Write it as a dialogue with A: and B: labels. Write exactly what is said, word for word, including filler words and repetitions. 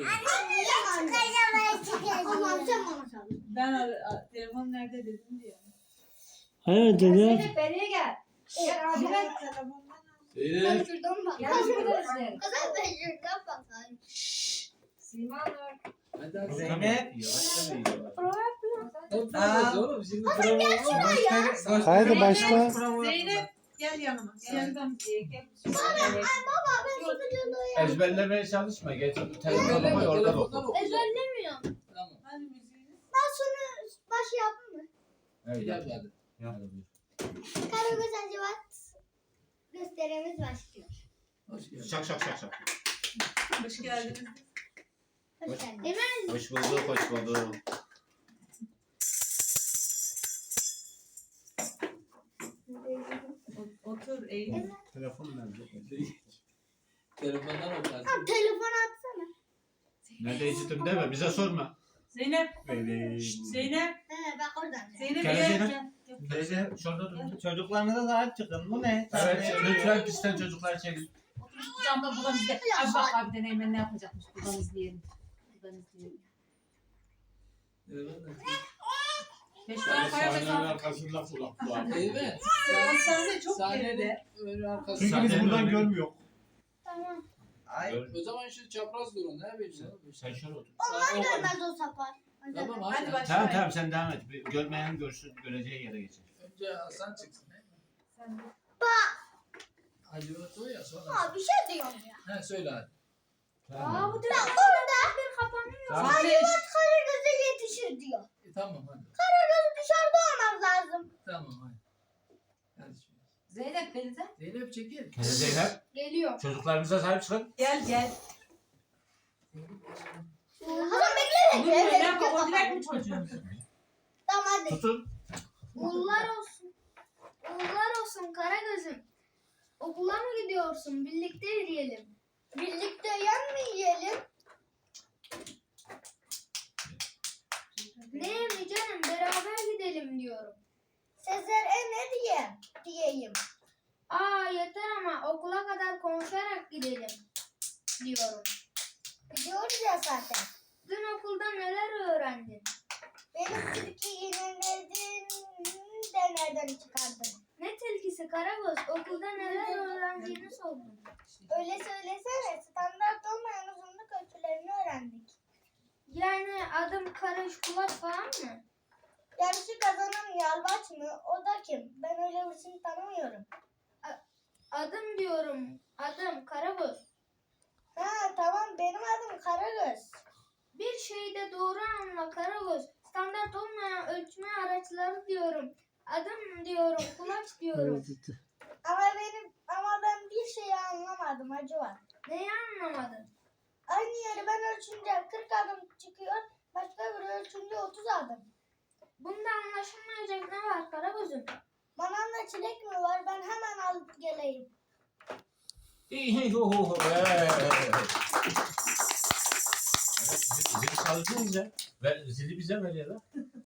A: Ben ar- a- telefon nerede dedim diyor.
B: Evet dede.
C: Zeynep beriye gel. Gel abi gel.
D: Zeynep.
C: Gel şurada izleyelim.
E: Kızım ben şuradan bakayım.
C: Sima Nur.
D: Hadi hadi.
F: Zeynep.
D: Yavaştan iyi.
F: Aa.
D: Oğlum şimdi prova.
B: Haydi başla.
A: Zeynep gel yanıma. Gel yanıma.
E: Baba ben sıkıcılığı
D: Ezberlemeye çalışma. Geç telefonu koy orada oku.
E: ezberlemiyorum.
D: Tamam.
A: Hadi müziğini.
E: Ben şunu baş yapayım mı?
D: Evet.
F: Hadi.
D: hadi. Hadi buyur.
E: Karagöz Hacivat gösterimiz başlıyor.
D: Hoş geldin.
F: Şak şak şak şak.
A: Hoş geldiniz.
E: Hoş geldin.
D: Hoş bulduk, hoş bulduk.
A: O- Otur eğil.
F: Telefon nerede?
D: Telefondan okarsın.
E: Tamam telefon atsana.
D: Nerede içtim deme, bize sorma.
A: Zeynep.
F: Evet.
A: Zeynep.
E: He bak oradan.
A: Zeynep
F: Gel
A: gel.
F: Zeynep.
A: Gel.
F: Teyze şurada dur. Çocuklarınıza da aç çıkın. Bu ne?
D: Evet, lütfen pistten çocuklar çekin.
A: Camda buradan izle. Abi bak abi deneymen ne yapacakmış. Buradan izleyelim. Buradan izleyelim. Beş tane kaya
D: Sahnenin
A: mesafe.
D: arkasında kulaklar.
G: Evet.
A: Hastane çok
G: Sahnenin
A: geride.
G: öyle arkası.
F: Çünkü biz buradan görmüyoruz.
E: Tamam.
F: Ay.
G: O zaman şu çapraz durun. Ne bileyim.
D: Sen şöyle otur.
E: Onlar görmez o sapar.
G: Tamam
A: Hadi
G: hadi.
A: başla.
D: Tamam tamam sen devam et. Bir görmeyen görsün, göreceği yere geçer.
G: Önce Hasan çıksın. He?
A: Sen de.
G: Hadi o ya sonra.
E: Aa bir şey diyorum ya.
G: He söyle hadi.
E: Aa bu direkt orada bir kapanıyor.
D: Tamam.
E: Hacivat Karagöz'e yetişir diyor.
G: E, tamam hadi.
E: Karagöz dışarıda olmaz lazım.
G: Tamam hadi. Hadi şöyle.
A: Zeynep denize.
G: Zeynep çekil.
D: Kere Zeynep,
E: Geliyor.
D: çocuklarımıza sahip çıkın.
A: Gel gel.
E: Hasan bekle
A: Dur
E: bekle. Evet,
A: Zeynep
E: yok,
A: o direkt
E: kapat.
A: mi çocuğun?
E: Tamam hadi.
D: Tutun.
E: Uğurlar olsun. Uğurlar olsun Karagöz'üm. Okula mı gidiyorsun? Birlikte yürüyelim. Birlikte yan mı yiyelim? Ne mi canım? Beraber gidelim diyorum. Sezer e ne diye? Diyeyim. Aa yeter ama okula kadar konuşarak gidelim diyorum. Gidiyoruz ya zaten. Dün okulda neler öğrendin? Benim tilki iğneledim de nereden çıkardın? Ne tilkisi Karagöz? Okulda neler öğrendiğini sordum. Öyle söylesene. Standart olmayan uzunluk ölçülerini öğrendik. Yani adım Karış Kulak falan mı? Yarışı kazanan Yalvaç mı? O da kim? Ben öyle birisini tanımıyorum. A- adım diyorum. Adım Karagöz. Ha tamam benim adım Karagöz. Bir şeyi de doğru anla Karagöz. Standart olmayan ölçme araçları diyorum. Adım diyorum, kulaç diyorum. Ama benim ama ben bir şeyi anlamadım Hacı var. Neyi anlamadın? Aynı yeri ben ölçünce kırk adım çıkıyor, başka biri ölçünce otuz adım. Bunda anlaşılmayacak ne var Karagöz'üm? Manavda çilek mi var? Ben hemen alıp geleyim.
D: Evet, zili, zili çalacağız ya. Ver, zili bize ver ya da.